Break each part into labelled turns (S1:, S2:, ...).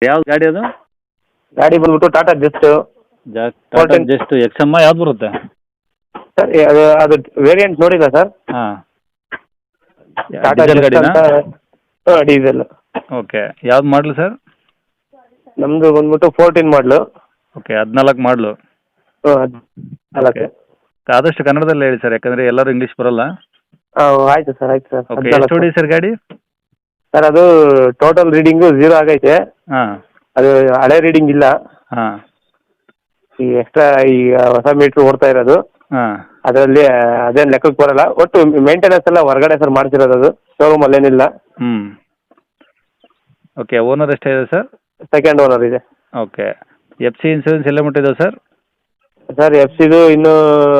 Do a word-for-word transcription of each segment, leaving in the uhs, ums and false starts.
S1: ಯಾವ್ದು ಗಾಡಿ ಅದು?
S2: ಗಾಡಿ ಬಂದ್ಬಿಟ್ಟು Tata Zest.
S1: Tata Zest X M ಯಾವ್ದು ಬರುತ್ತೆ
S2: ಸರ್ ಅದು ಅದು ವೇರಿಯಂಟ್ ನೋಡಿಲ್ಲ ಸರ್.
S1: ಹಾಂ,
S2: ಟಾಟಾ
S1: ಡೀಸೆಲ್
S2: ಜಸ್ಟ್
S1: ಗಾಡಿನಾ?
S2: ಅಂತ. ಹಾಂ, ಡೀಸೆಲ್.
S1: ಓಕೆ, ಯಾವ್ದು ಮಾಡಲು ಸರ್?
S2: ನಮ್ಮದು ಬಂದ್ಬಿಟ್ಟು ಫೋರ್ಟೀನ್ ಮಾಡಲು.
S1: ಓಕೆ, ಹದಿನಾಲ್ಕು ಮಾಡಲು.
S2: ಹಾಂ, ನಾಲ್ಕು.
S1: ಆದಷ್ಟು ಕನ್ನಡದಲ್ಲಿ ಹೇಳಿ ಸರ್, ಯಾಕಂದರೆ ಎಲ್ಲರೂ ಇಂಗ್ಲೀಷ್ ಬರೋಲ್ಲ.
S2: ಹಾಂ, ಆಯಿತು ಸರ್, ಆಯ್ತು ಸರ್.
S1: ಓಕೆ, ಎಷ್ಟು ಹೊಡಿ ಸರ್ ಗಾಡಿ?
S2: ಸರ್ ಅದು ಟೋಟಲ್ ರೀಡಿಂಗು ಝೀರೋ ಆಗೈತೆ.
S1: ಹಾಂ
S2: ಅದು ಹಳೆ ರೀಡಿಂಗ್ ಇಲ್ಲ.
S1: ಹಾಂ
S2: ಈ ಎಕ್ಸ್ಟ್ರಾ ಈಗ ಹೊಸ ಮೀಟ್ರ್ ಓಡ್ತಾ ಇರೋದು
S1: ಹಾಂ
S2: ಅದರಲ್ಲಿ ಅದೇನು ಲೆಕ್ಕಕ್ಕೆ ಬರಲ್ಲ. ಒಟ್ಟು ಮೇಂಟೆನೆನ್ಸ್ ಎಲ್ಲ ಹೊರಗಡೆ ಸರ್ ಮಾಡ್ತಿರೋದು, ಅದು ಶೋರೂಮಲ್ಲಿ ಏನಿಲ್ಲ.
S1: ಹ್ಞೂ ಓಕೆ, ಓನರ್ ಎಷ್ಟಿದೆ ಸರ್?
S2: ಸೆಕೆಂಡ್ ಓನರ್ ಇದೆ.
S1: ಓಕೆ, ಎಫ್ ಸಿ ಇನ್ಸೂರೆನ್ಸ್ ಎಲ್ಲ ಮುಟ್ಟಿದೆ ಸರ್?
S2: ಸರ್ ಎಫ್ ಸಿದು ಇನ್ನೂ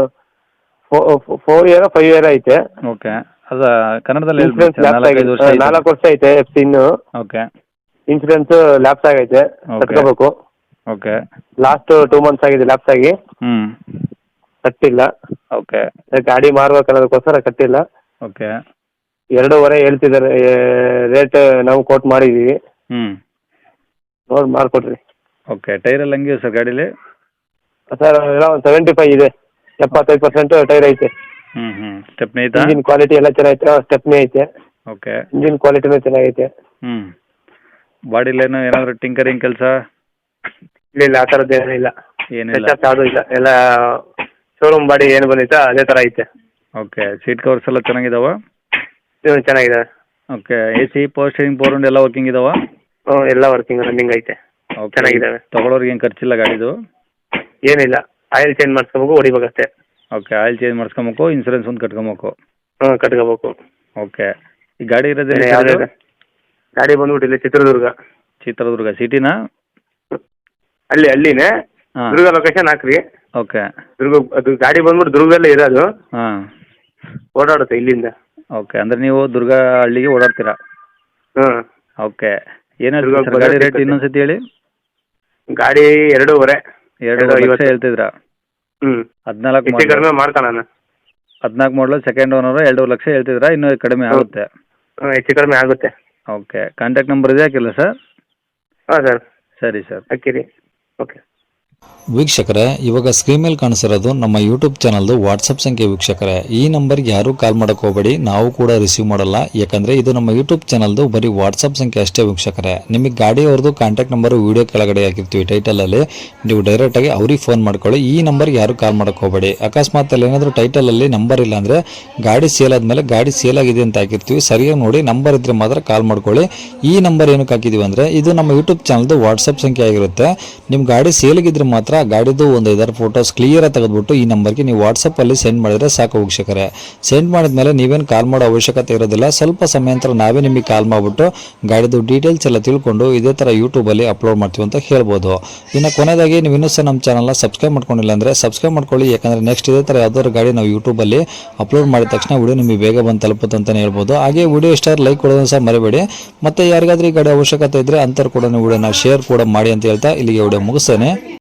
S2: ಫೋರ್ ಇಯರ್ ಫೈವ್ ಇಯರ್ ಐತೆ.
S1: ಓಕೆ, ಅದು ಕನ್ನಡದಲ್ಲಿ
S2: ಇನ್ಸೂರೆನ್ಸ್ ಲ್ಯಾಪ್ಸ್
S1: ನಾಲ್ಕೈದು ವರ್ಷ
S2: ಆಗೈತೆ, ನಾಲ್ಕು ವರ್ಷ ಐತೆ ಎಫ್ ಸಿ ಇನ್ನು.
S1: ಓಕೆ
S2: ಇನ್ಸೂರೆನ್ಸ್ ಲ್ಯಾಪ್ಸ್ ಆಗೈತೆ, ಕಟ್ಕೋಬೇಕು.
S1: ಓಕೆ
S2: ಲಾಸ್ಟ್ ಟೂ ಮಂತ್ಸ್ ಆಗಿದೆ ಲ್ಯಾಪ್ಸ್ ಆಗಿ,
S1: ಹ್ಞೂ
S2: ಕಟ್ಟಿಲ್ಲ.
S1: ಓಕೆ
S2: ಗಾಡಿ ಮಾರ್ಬೇಕು ಅನ್ನೋದಕ್ಕೋಸ್ಕರ ಕಟ್ಟಿಲ್ಲ.
S1: ಓಕೆ
S2: ಎರಡೂವರೆ ಹೇಳ್ತಿದ್ದಾರೆ ರೇಟ್, ನಾವು ಕೋಟ್ ಮಾಡಿದ್ದೀವಿ.
S1: ಹ್ಞೂ
S2: ನೋಡಿ ಮಾಡಿಕೊಡ್ರಿ.
S1: ಓಕೆ, ಟೈರೆಲ್ಲ ಹಂಗಿದೆ ಸರ್ ಗಾಡೀಲಿ?
S2: ಸರ್ ಎಲ್ಲ ಒಂದು ಸೆವೆಂಟಿ ಫೈವ್ ಇದೆ, ಎಪ್ಪತ್ತೈದು ಪರ್ಸೆಂಟ್ ಟೈರ್ ಐತೆ.
S1: ಹ್ಞೂ ಹ್ಞೂ ಸ್ಟೆಪ್ನಿ ಐತಾ?
S2: ಇಂಜಿನ್ ಕ್ವಾಲಿಟಿ ಎಲ್ಲ ಚೆನ್ನಾಗೈತೆ, ಸ್ಟೆಪ್ನಿ ಐತೆ.
S1: ಓಕೆ,
S2: ಇಂಜಿನ್ ಕ್ವಾಲಿಟಿನೂ ಚೆನ್ನಾಗೈತೆ.
S1: ಹ್ಞೂ ಬಾಡಿಲೇನು ಏನಾದರೂ ಟಿಂಕರಿಂಗ್ ಕೆಲಸ?
S2: ಇಲ್ಲ ಇಲ್ಲ, ಆ ಥರದ್ದು ಏನೂ ಇಲ್ಲ.
S1: ಏನಿಲ್ಲ,
S2: ಯಾವುದೂ ಇಲ್ಲ, ಎಲ್ಲ ಶೋರೂಮ್ ಬಾಡಿ ಏನು ಬಂದೈತೆ ಅದೇ ಥರ ಐತೆ.
S1: ಓಕೆ, ಸೀಟ್ ಕವರ್ಸ್ ಎಲ್ಲ ಚೆನ್ನಾಗಿದಾವ?
S2: ಹ್ಞೂ ಚೆನ್ನಾಗಿದೆ.
S1: Okay, A C power steering power window ಎಲ್ಲ ವರ್ಕಿಂಗ್ ಇದಾವ?
S2: ಹ್ಞೂ ಎಲ್ಲ ವರ್ಕಿಂಗ್ ರನ್ನಿಂಗ್ ಐತೆ, ಚೆನ್ನಾಗಿದ್ದಾವೆ.
S1: ತೊಗೊಳೋರಿಗೆ ಏನು ಖರ್ಚಿಲ್ಲ ಗಾಡಿದು?
S2: ಏನಿಲ್ಲ, ಆಯಿಲ್ ಚೇಂಜ್ ಮಾಡಿಸ್ಕೋಬೇಕು, ಹೊಡಿಬೇಕಷ್ಟೇ.
S1: ಓಕೆ, ಆಯಿಲ್ ಚೇಂಜ್ ಮಾಡಿಸ್ಕೊಬೇಕು, ಇನ್ಸೂರೆನ್ಸ್ ಒಂದು ಕಟ್ಕೊಬೇಕು.
S2: ಹ್ಞೂ ಕಟ್ಕೋಬೇಕು.
S1: ಓಕೆ, ಈ ಗಾಡಿ ಇರೋದೇ
S2: ಯಾವುದೇ ಗಾಡಿ ಬಂದ್ಬಿಟ್ಟು ಇಲ್ಲಿ ಚಿತ್ರದುರ್ಗ.
S1: ಚಿತ್ರದುರ್ಗ ಸಿಟಿನಾ?
S2: ಅಲ್ಲಿ ಅಲ್ಲಿನೇ
S1: ಹಾಂ,
S2: ದುರ್ಗ ಲೊಕೇಶನ್ ಹಾಕ್ರಿ.
S1: ಓಕೆ,
S2: ದುರ್ಗ ಅದು ಗಾಡಿ ಬಂದ್ಬಿಟ್ಟು ದುರ್ಗದಲ್ಲೇ ಇರೋದು,
S1: ಹಾಂ
S2: ಓಡಾಡುತ್ತೆ ಇಲ್ಲಿಂದ.
S1: ಓಕೆ, ಅಂದರೆ ನೀವು ದುರ್ಗ ಹಳ್ಳಿಗೆ ಓಡಾಡ್ತೀರಾ?
S2: ಹ್ಞೂ
S1: ಓಕೆ, ಏನು ಹೇಳ್ತೀರಾ ಸರ್ ಗಾಡಿ ರೇಟ್ ಇನ್ನೊಂದು ಸತಿ ಹೇಳಿ?
S2: ಗಾಡಿ ಎರಡೂವರೆ
S1: ಎರಡು ಲಕ್ಷ ಹೇಳ್ತಿದ್ರಾ?
S2: ಹ್ಞೂ
S1: ಹದಿನಾಲ್ಕು
S2: ಹೆಚ್ಚು ಕಡಿಮೆ ಮಾಡ್ಕೊಳ್ಳೋಣ.
S1: ಹದಿನಾಲ್ಕು ಮಾಡಲು ಸೆಕೆಂಡ್ ಓನರು ಎರಡು ಲಕ್ಷ ಹೇಳ್ತಿದ್ರಾ? ಇನ್ನೂ ಕಡಿಮೆ ಆಗುತ್ತೆ?
S2: ಹ್ಞೂ ಹೆಚ್ಚು ಕಡಿಮೆ ಆಗುತ್ತೆ.
S1: ಓಕೆ, ಕಾಂಟ್ಯಾಕ್ಟ್ ನಂಬರ್ ಇದೆ ಹಾಕಿಲ್ಲ ಸರ್?
S2: ಹಾಂ ಸರ್,
S1: ಸರಿ ಸರ್,
S2: ಹಾಕಿರಿ. ಓಕೆ
S3: ವೀಕ್ಷಕರೇ, ಇವಾಗ ಸ್ಕ್ರೀನ್ ಮೇಲೆ ಕಾಣಿಸಿರೋದು ನಮ್ಮ ಯೂಟ್ಯೂಬ್ ಚಾನಲ್ದು ವಾಟ್ಸಪ್ ಸಂಖ್ಯೆ. ವೀಕ್ಷಕರೇ, ಈ ನಂಬರ್ಗೆ ಯಾರೂ ಕಾಲ್ ಮಾಡೋಕೆ ಹೋಗಬೇಡಿ, ನಾವು ಕೂಡ ರಿಸೀವ್ ಮಾಡಲ್ಲ. ಯಾಕಂದರೆ ಇದು ನಮ್ಮ ಯೂಟ್ಯೂಬ್ ಚಾನಲ್ದು ಬರೀ ವಾಟ್ಸಪ್ ಸಂಖ್ಯೆ ಅಷ್ಟೇ. ವೀಕ್ಷಕರೇ, ನಿಮಗೆ ಗಾಡಿಯವ್ರದ್ದು ಕಾಂಟ್ಯಾಕ್ಟ್ ನಂಬರು ವೀಡಿಯೋ ಕೆಳಗಡೆ ಹಾಕಿರ್ತೀವಿ ಟೈಟಲಲ್ಲಿ, ನೀವು ಡೈರೆಕ್ಟಾಗಿ ಅವ್ರಿಗೆ ಫೋನ್ ಮಾಡ್ಕೊಳ್ಳಿ. ಈ ನಂಬರ್ಗೆ ಯಾರೂ ಕಾಲ್ ಮಾಡೋಕೆ ಹೋಗಬೇಡಿ. ಅಕಸ್ಮಾತ್ ಅಲ್ಲಿ ಏನಾದರೂ ಟೈಟಲಲ್ಲಿ ನಂಬರ್ ಇಲ್ಲ ಅಂದರೆ ಗಾಡಿ ಸೇಲ್ ಆದಮೇಲೆ ಗಾಡಿ ಸೇಲ್ ಆಗಿದೆ ಅಂತ ಹಾಕಿರ್ತೀವಿ, ಸರಿಯಾಗಿ ನೋಡಿ ನಂಬರ್ ಇದ್ದರೆ ಮಾತ್ರ ಕಾಲ್ ಮಾಡ್ಕೊಳ್ಳಿ. ಈ ನಂಬರ್ ಏನಕ್ಕೆ ಹಾಕಿದ್ದೀವಿ ಅಂದರೆ ಇದು ನಮ್ಮ ಯೂಟ್ಯೂಬ್ ಚಾನಲ್ದು ವಾಟ್ಸಪ್ ಸಂಖ್ಯೆ ಆಗಿರುತ್ತೆ. ನಿಮ್ಮ ಗಾಡಿ ಸೇಲಿಗಿದ್ರೆ ಮಾತ್ರ ಗಾಡಿದು ಒಂದು ಐದಾರು ಫೋಟೋಸ್ ಕ್ಲಿಯರ್ ತೆಗೆದುಬಿಟ್ಟು ಈ ನಂಬರ್ಗೆ ನೀವು ವಾಟ್ಸಪ್ಪಲ್ಲಿ ಸೆಂಡ್ ಮಾಡಿದರೆ ಸಾಕು. ವೀಕ್ಷಕರೇ, ಸೆಂಡ್ ಮಾಡಿದ್ಮೇಲೆ ನೀವೇನು ಕಾಲ್ ಮಾಡೋ ಅವಶ್ಯಕತೆ ಇರೋದಿಲ್ಲ. ಸ್ವಲ್ಪ ಸಮಯ ನಂತರ ನಾವೇ ನಿಮಗೆ ಕಾಲ್ ಮಾಡಿಬಿಟ್ಟು ಗಾಡಿದು ಡೀಟೇಲ್ಸ್ ಎಲ್ಲ ತಿಳ್ಕೊಂಡು ಇದೇ ಥರ ಯೂಟ್ಯೂಬಲ್ಲಿ ಅಪ್ಲೋಡ್ ಮಾಡ್ತೀವಿ ಅಂತ ಹೇಳ್ಬೋದು. ಇನ್ನು ಕೊನೆಯದಾಗಿ ನೀವು ಇನ್ನೂ ಸಹ ನಮ್ಮ ಚಾನಲ್ನ ಸಬ್ಸ್ಕ್ರೈಬ್ ಮಾಡ್ಕೊಂಡಿಲ್ಲ ಅಂದರೆ ಸಬ್ಸ್ಕ್ರೈಬ್ ಮಾಡ್ಕೊಳ್ಳಿ. ಯಾಕಂದರೆ ನೆಕ್ಸ್ಟ್ ಇದೇ ಥರ ಯಾವ್ದಾದ್ರು ಗಾಡಿ ನಾವು ಯೂಟ್ಯೂಬಲ್ಲಿ ಅಪ್ಲೋಡ್ ಮಾಡಿದ ತಕ್ಷಣ ವಿಡಿಯೋ ನಿಮಗೆ ಬೇಗ ಬಂದು ತಲುಪುತ್ತೆ ಅಂತಲೇ ಹೇಳ್ಬೋದು. ಹಾಗೆ ವಿಡಿಯೋ ಇಷ್ಟ ಲೈಕ್ ಕೊಡೋದನ್ನು ಸಹ ಮರಿಬೇಡಿ. ಮತ್ತು ಯಾರಿಗಾದ್ರೂ ಈ ಗಾಡಿ ಅವಶ್ಯಕತೆ ಇದ್ದರೆ ಅಂಥವ್ರು ಕೂಡ ವಿಡಿಯೋನ ಶೇರ್ ಕೂಡ ಮಾಡಿ ಅಂತ ಹೇಳ್ತಾ ಇಲ್ಲಿಗೆ ವಿಡಿಯೋ ಮುಗಿಸ್ತೇನೆ.